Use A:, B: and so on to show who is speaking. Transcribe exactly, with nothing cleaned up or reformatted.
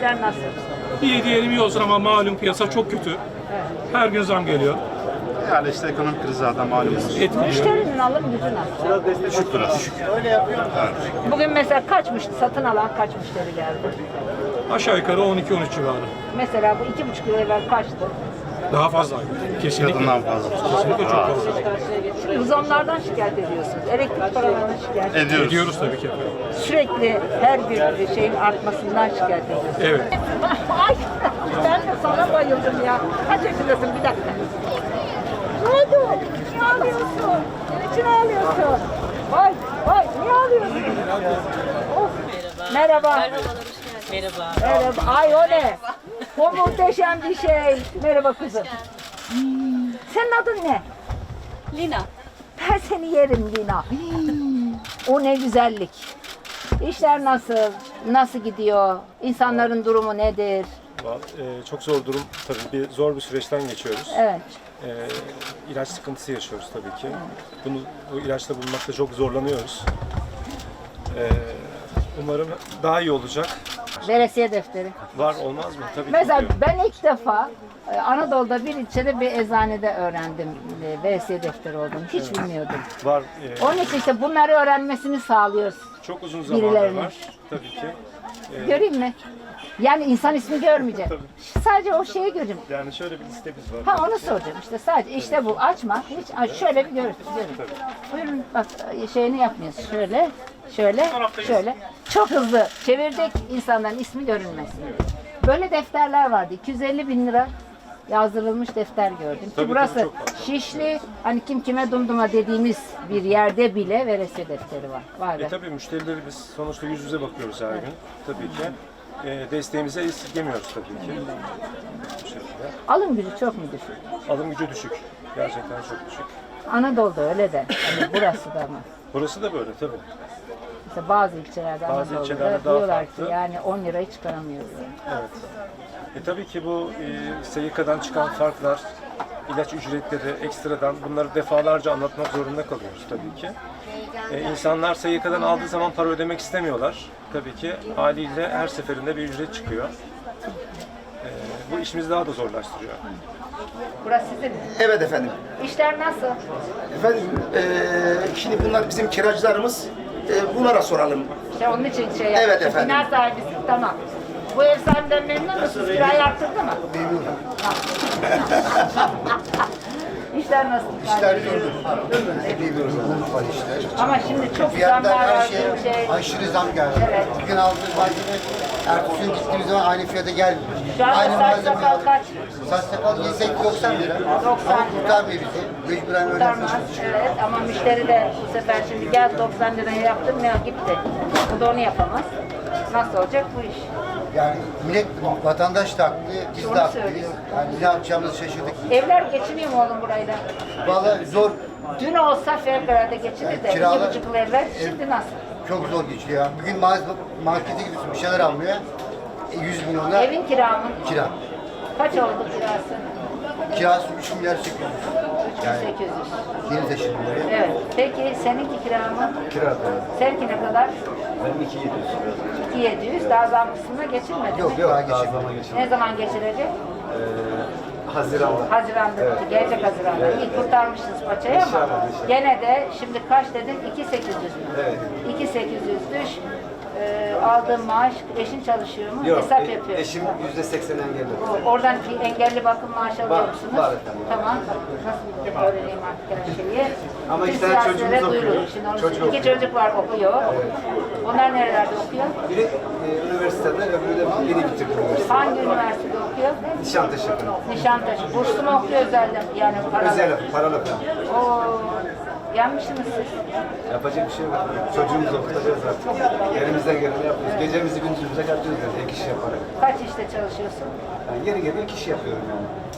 A: İşler nasıl?
B: İyi diyelim iyi olsun ama malum piyasa çok kötü.
A: Evet.
B: Her gün zam geliyor.
C: Yani işte ekonomik kriz zaten malumunuz.
B: Etkiliyor.
A: Müşterinin alım gücü nasıl?
C: Düşük biraz. Düşük.
A: Bugün mesela kaç müşteri, satın alan kaç müşteri geldi?
B: Aşağı yukarı on iki on üç civarı.
A: Mesela bu iki buçuk yıl evvel kaçtı?
B: Daha fazla. Kesinlikle.
C: Kadından fazla.
B: Kesinlikle çok fazla.
A: Şimdi bu zamlardan şikayet ediyorsunuz. Elektrik paralarından şikayet ediyorsunuz.
C: Ediyoruz.
B: Ediyoruz tabii ki.
A: Sürekli her gün şeyin artmasından şikayet ediyorsunuz.
B: Evet.
A: Ay ben de sana bayıldım ya. Kaç yaşındasın bir dakika. Ne oldu? Niye ağlıyorsun? Niçin ağlıyorsun? Vay vay niye ağlıyorsun? Of. Merhaba.
D: Merhaba.
A: Merhaba. Ay o ne? O muhteşem bir şey. Merhaba kızım. Hmm. Senin adın ne?
D: Lina.
A: Ben seni yerim Lina. Hmm. O ne güzellik. İşler nasıl? Nasıl gidiyor? İnsanların durumu nedir?
E: Ee, çok zor durum tabii bir zor bir süreçten geçiyoruz.
A: Evet.
E: Ee, ilaç sıkıntısı yaşıyoruz tabii ki. Bunu bu ilaçla bulmakta çok zorlanıyoruz. Ee, umarım daha iyi olacak.
A: Veresiye defteri.
E: Var olmaz mı? Tabii
A: Mesela
E: ki.
A: ben ilk defa e, Anadolu'da bir ilçede bir eczanede öğrendim e, veresiye defteri olduğunu. Hiç bilmiyordum.
E: Var. e,
A: Onun için işte bunları öğrenmesini sağlıyoruz.
E: çok uzun zamandır
A: birilerinin.
E: var tabii ki. Ee,
A: Göreyim mi? Yani insan ismi görmeyecek. Sadece o şeyi göreceğim.
E: yani şöyle bir listemiz var.
A: Ha onu soracağım işte sadece işte bu açma hiç aç, şöyle bir görün. görün. Buyurun bak şeyini yapmıyoruz şöyle şöyle şöyle çok hızlı çevirdik insanların ismi görünmesin. Böyle defterler vardı iki yüz elli bin lira yazdırılmış defter gördüm ki
E: Tabii,
A: burası
E: tabii, çok fazla.
A: Şişli hani kim kime dumduma dediğimiz bir yerde bile veresiye defteri var. Vay be.
E: E tabii müşterileri biz sonuçta yüz yüze bakıyoruz her gün. Tabii ki. E, desteğimize esirgemiyoruz tabii ki. Bu şekilde.
A: Alım gücü çok mu düşük?
E: Alım gücü düşük. Gerçekten çok düşük.
A: Anadolu'da öyle de hani burası da mı?
E: Burası da böyle tabii.
A: Mesela bazı ilçelerde
E: Bazı
A: Anadolu'da
E: ilçelerde daha
A: diyorlar ki
E: farklı.
A: yani on lirayı çıkaramıyoruz.
E: Evet. E tabii ki bu e, S Y K'dan çıkan farklar, ilaç ücretleri ekstradan bunları defalarca anlatmak zorunda kalıyoruz tabii ki. E, insanlar S Y K'dan aldığı zaman para ödemek istemiyorlar. Tabii ki haliyle her seferinde bir ücret çıkıyor. E, bu işimizi daha da zorlaştırıyor.
A: Burası sizin mi?
F: Evet efendim.
A: İşler nasıl?
F: Efendim eee, şimdi bunlar bizim kiracılarımız. Eee, bunlara soralım.
A: İşte onun için şey
F: Evet
A: yapmışım.
F: efendim.
A: Bina sahibisin tamam. Bu ev sahibinden memnun musunuz? Kirayı arttırdı mı?
F: Memnunum.
A: İşler nasıl?
G: İşler durdu. Memnunum. Var işte.
A: Ama şimdi çok
G: Fiyatlar
A: zamlar
G: her
A: var.
G: şey
A: Şey,
G: aşırı zam geldi.
A: Evet.
G: Bugün aldığımız malzeme ertesi gün gittiğimiz zaman aynı fiyata gelmiyor.
A: şu anda
G: Aynı
A: saç sakal kaç?
G: Saç sakal yesek doksan lira.
A: doksan
G: Ama
A: lira.
G: kurtarmıyor bizi. Mecburen öyle
A: Kurtarmaz.
G: yapıyoruz.
A: Evet ama müşteri de bu sefer şimdi gel doksan liraya yaptım ya gitti. Bu da onu yapamaz. Nasıl olacak bu iş?
G: Yani millet, vatandaş da haklı, biz
A: Onu
G: de haklıyız.
A: söylüyor.
G: Yani ne yapacağımızı şaşırdık.
A: Evler geçiniyor mu oğlum burayla?
G: Vallahi zor,
A: Dün olsa fevkalade geçinir de iki
G: Kiralar-
A: buçuk yıl evvel şimdi nasıl?
G: çok zor geçiyor ya. Bugün mağaza, markete gidiyorsun bir şeyler almaya. E, yüz milyonla
A: Evin kira mı?
G: kira.
A: Kaç oldu kirası?
G: Kirası üç milyar sekiz yüz. Yani
A: sekiz yüz.
G: yeni taşındım buraya.
A: Evet. Peki seninki kira mı?
G: Kira da.
A: Seninki ne kadar?
G: Benim iki yedi yüz.
A: iki bin yedi yüz. Daha zam kısmına geçilmedi
G: Yok
A: mi?
G: yok daha geçirmedim.
A: Ne zaman geçilecek?
G: Haziran'da.
A: Haziran'da. Gelecek Haziran'da. İyi kurtarmışsınız paçayı ama gene de şimdi kaç dedin? iki bin sekiz yüz mü?
G: Evet.
A: iki bin sekiz yüz düş. Ee, aldığın maaş, eşin çalışıyor mu? Hesap yapıyor.
G: Eşim yüzde seksen engelli.
A: O- Oradan bir engelli bakım maaşı alıyor
G: Var,
A: musunuz?
G: var efendim.
A: Tamam. Nasıl öğreneyim artık her şeyi?
G: Ama
A: Bütün
G: iki tane
A: siyasilere
G: çocuğumuz
A: duyurun.
G: okuyor.
A: Şimdi onu
G: Çocuk
A: iki
G: okuyor.
A: çocuk var okuyor. Onlar nerelerde okuyor?
G: Biri e, üniversitede, öbürü de yeni bitirdi üniversite.
A: Hangi üniversitede okuyor?
G: Nişantaşı.
A: Nişantaşı. Burslu mu okuyor özelden? Yani paralı.
G: Özel, paralı.
A: Oo, yanmışsınız siz.
G: Yapacak bir şey yok. Çocuğumuzu okutacağız artık. Elimizden geleni yapıyoruz. Gecemizi gündüzümüze katıyoruz yani ek iş yaparak.
A: Kaç işte çalışıyorsun?
G: Yani yeri geliyor iki iş yapıyorum yani.